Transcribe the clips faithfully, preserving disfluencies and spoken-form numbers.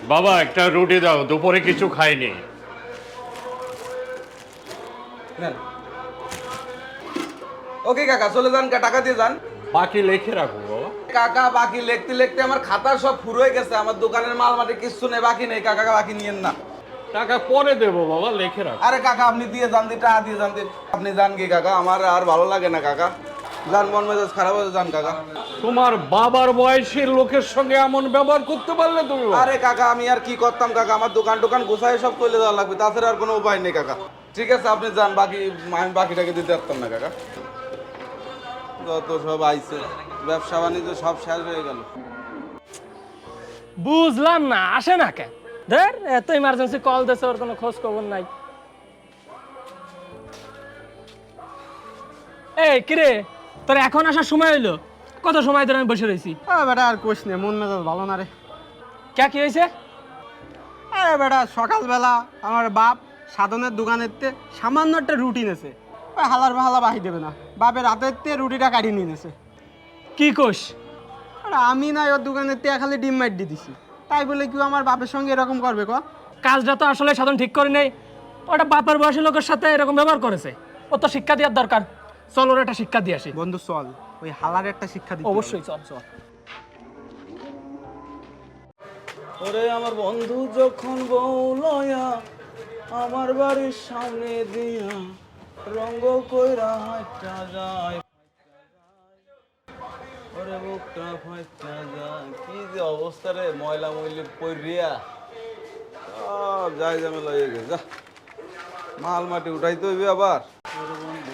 বাবা একটা রুটি দাও, দুপুরে কিছু খাইনি। ওকে কাকা চলে যান, টাকা দিয়ে যান। বাকি লিখে রাখো বাবা। কাকা বাকি লিখতে লিখতে আমার খাতা সব ফুরোয় গেছে, আমার দোকানের মাল মাটি কিছু নেই, বাকি নেই কাকা, বাকি নিয়েন না। টাকা পরে দেবো বাবা, লিখে রাখো। আরে কাকা আপনি দিয়ে যান, দি টাকা দিয়ে যান, দি আপনি যান কি কাকা, আমার আর ভালো লাগে না কাকা, যান, মন মেজাজ খারাপ হয়ে যান কাকা। তোমার বাবার বয়সের লোকের সঙ্গে এমন ব্যবহার করতে পারলে তুমি? আরে কাকা আমি আর কি করতাম কাকা, আমার দোকান টোকান গোছায় সব চলে যাওয়া লাগবে, তাছাড়া আর কোনো উপায় নেই কাকা। ঠিক আছে আপনি যান, বাকি আমি বাকিটাকে দিতে পারতাম না কাকা। যত সব আইছে, ব্যবসা বাণিজ্য সব শেষ হয়ে গেল। বুঝলাম না, আসে না কেন? ধর এত ইমার্জেন্সি কল দিয়েছে, ওর কোনো খোঁজ খবর নাই। এই কিরে, তোর এখন আসার সময় হইলো? কত সময় ধরে আমি বসে রয়েছি। আরে বেটা আর কোশ নে, মন মেজাজ ভালো না রে। কে কি হয়েছে? আরে বেটা সকালবেলা আমার বাপ সাধনের দোকানের তে সামান্য একটা রুটি নেছে, ওই হালার হালা বাহি দেবে না, বাপের হাতের তে রুটিটা কাটিয়ে নিয়ে নেছে। কি কোষ? আরে আমি না ওর দোকানের তে খালি ডিম মাইট দিয়ে দিছি, তাই বলে কেউ আমার বাপের সঙ্গে এরকম করবে ক? কাজটা তো আসলে সাধন ঠিক করে নেই, ওটা বাপের বয়সী লোকের সাথে এরকম ব্যবহার করেছে। ও তো শিক্ষা দেওয়ার দরকার, চল ওর একটা শিক্ষা দিয়ে আসি। বন্ধু চল, ওই হালার একটা শিক্ষা দিই। অবশ্যই চল চল। ওরে আমার বন্ধু যখন বউ লয়া আমার বাড়ির সামনে দিয়া রঙ্গ কইরা হাঁটা যায়, ওরে বুকটা ফাইটা যায়, কি যে অবস্থা রে, ময়লা ময়লি পইরিয়া সব যাই ঝামেলা হয়ে গেছে। যা মাল মাটি উঠাইতে হইবে আবার। ওরে বন্ধু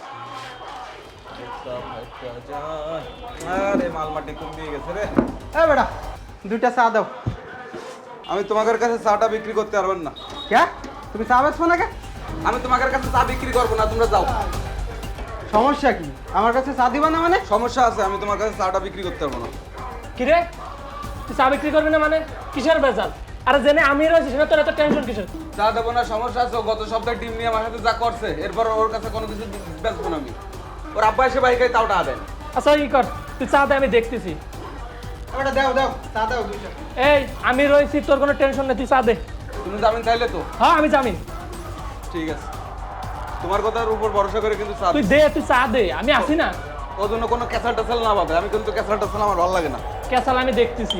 বুকটা ফাইটা যায়, আরে মাল মাটি কম দিয়ে গেছে রে। এ বেটা দুইটা চা দাও। আমি তোমাদের কাছে চাটা বিক্রি করতে পারবেন না। কে তুমি চা বেচছো না কে? আমি তোমাদের কাছে চা বিক্রি করবো না, তোমরা যাও। সমস্যা কি? আমার কাছে চা দিবা না মানে? সমস্যা আছে, আমি তোমার কাছে চাটা বিক্রি করতে পারবো না। কিরে, তুই চা বিক্রি করবি না মানে? কিসের বেজাল? আরে জেনে আমি রয়েছি সেটা তোর এত টেনশন কিসের? চা দেবো না, সমস্যা আছে। ও গত সপ্তাহে টিম নিয়ে আমার সাথে যা করছে, এরপর ওর কাছে কোনো কিছু বেচবো না আমি। ওর আব্বা এসে বাইকে তাও টাকা দেন। আচ্ছা ই কর, তুই চা দে, আমি দেখতেছি। বেটা দাও দাও চা দাও দুইটা। এই আমি রয়েছি, তোর কোনো টেনশন নেই, তুই চা দে। তুমি জামিন চাইলে তো? হ্যাঁ আমি জামিন। ঠিক আছে, তোমার কথার উপর ভরসা করে কিন্তু চা তুই দে, তুই চা দে, আমি আসি না। ওর জন্য কোনো ক্যাসাল টাসাল না পাবে, আমি কিন্তু ক্যাসাল টাসাল আমার ভালো লাগে না। ক্যাসাল আমি দেখতেছি।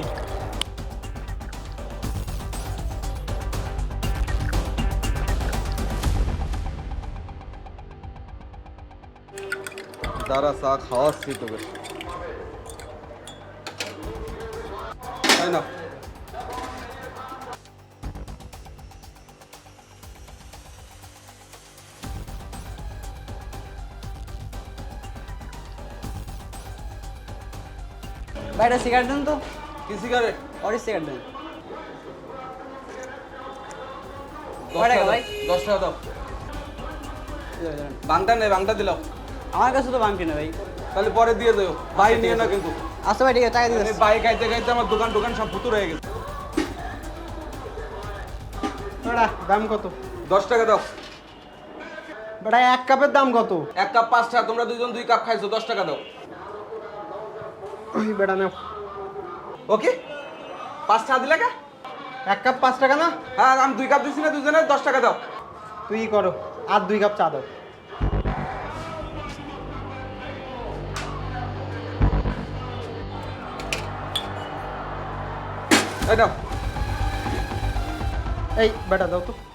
দাঁড়া চা খাওয়াচ্ছি তোকে, তাই না? বাইরে সিগারেট দেন তো। কি সিগারেট? অরিস সিগারেট দেন। দশ টাকা ভাই, দশ টাকা দাও। বাংটা নেই, বাংটা দিলাম। আমার কাছে তো বাংটি না ভাই। তাহলে পরে দিয়ে দেবো, ভাই নিয়ে না কিন্তু। আচ্ছা ভাই ঠিক আছে, টাকা দিয়ে বাই খাইতে খাইতে আমার দোকান টোকান সব ফুতুর হয়ে গেছে। বেটা দাম কত? দশ টাকা দাও। বেটা এক কাপের দাম কত? এক কাপ পাঁচ টাকা, তোমরা দুজন দুই কাপ খাইছো, দশ টাকা দাও। ওই বেটা নাও। ওকে, পাঁচ টাকা দিলে কা? এক কাপ পাঁচ টাকা না? হ্যাঁ আমি দুই কাপ দিচ্ছি না, দুজনে দশ টাকা দাও। তুই করো, আর দুই কাপ চা দাও। এই দাও। এই বেটা দাও তো।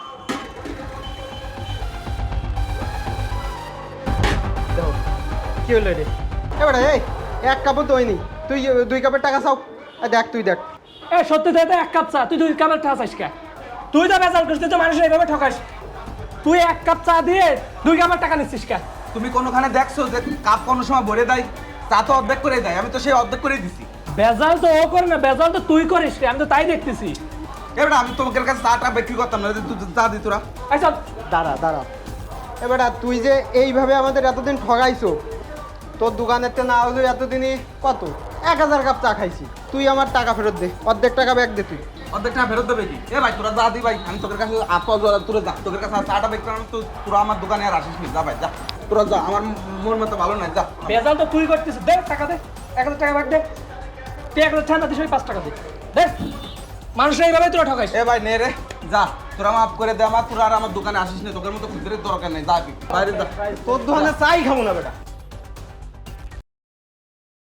দাও। কি হলো রে? এ বেটা এই এক কাপও তো হয়নি, তুই দুই কাপের টাকা চাও। এই দেখ তুই দেখ। এ সত্যি দে এক কাপ চা, তুই দুই কাপের চা চাইস কে? তুই তো বেজাল করিস, তুই তো মানুষের এইভাবে ঠকাস। তুই এক কাপ চা দিয়ে দুই কাপের টাকা নিচ্ছিস কে? তুমি কোনোখানে দেখছো যে কাপ কোনো সময় ভরে দেয়? চা তো অর্ধেক করে দেয়, আমি তো সেই অর্ধেক করেই দিছি। বেজাল তো ও করে না, বেজাল তো তুই করিস রে, আমি তো তাই দেখতেছি। এবার আমি তোমাদের কাছে চাটা বিক্রি করতাম না, যদি তুই চা দিত তোরা। আচ্ছা দাঁড়া দাঁড়া। এ বেটা তুই যে এইভাবে আমাদের এতদিন ঠগাইছো, তোর দোকানের তে না হলে এতদিনই কত এক হাজার কাপ চা খাইছি, তুই আমার টাকা ফেরত দে, অর্ধেক টাকা ব্যাগ দে তুই। অর্ধেক টাকা ফেরত দেবে কি? এ ভাই তোরা যা দি ভাই, আমি তোদের কাছে আপা তোরা যা, তোদের কাছে চাটা বিক্রি করলাম তো, তোরা আমার দোকানে আর আসিস নি, যা ভাই যা, তোরা যা, আমার মন মতো ভালো নাই, যা। বেজাল তো তুই করতেছিস, দে টাকা দে, এক হাজার টাকা বাদ দে। তুই এক হাজার ঠান্ডা দিস, ওই পাঁচ টাকা দে দে। মানুষের এইভাবে তোরা ঠকাইস। এ ভাই নে রে যা, তোরা মাফ করে দে আমার, তোরা আর আমার দোকানে আসিস না, তোকের মতো খুচরের দরকার নেই, যা তুই বাইরে যা। তোর দোকানে চাই খাবো না বেটা।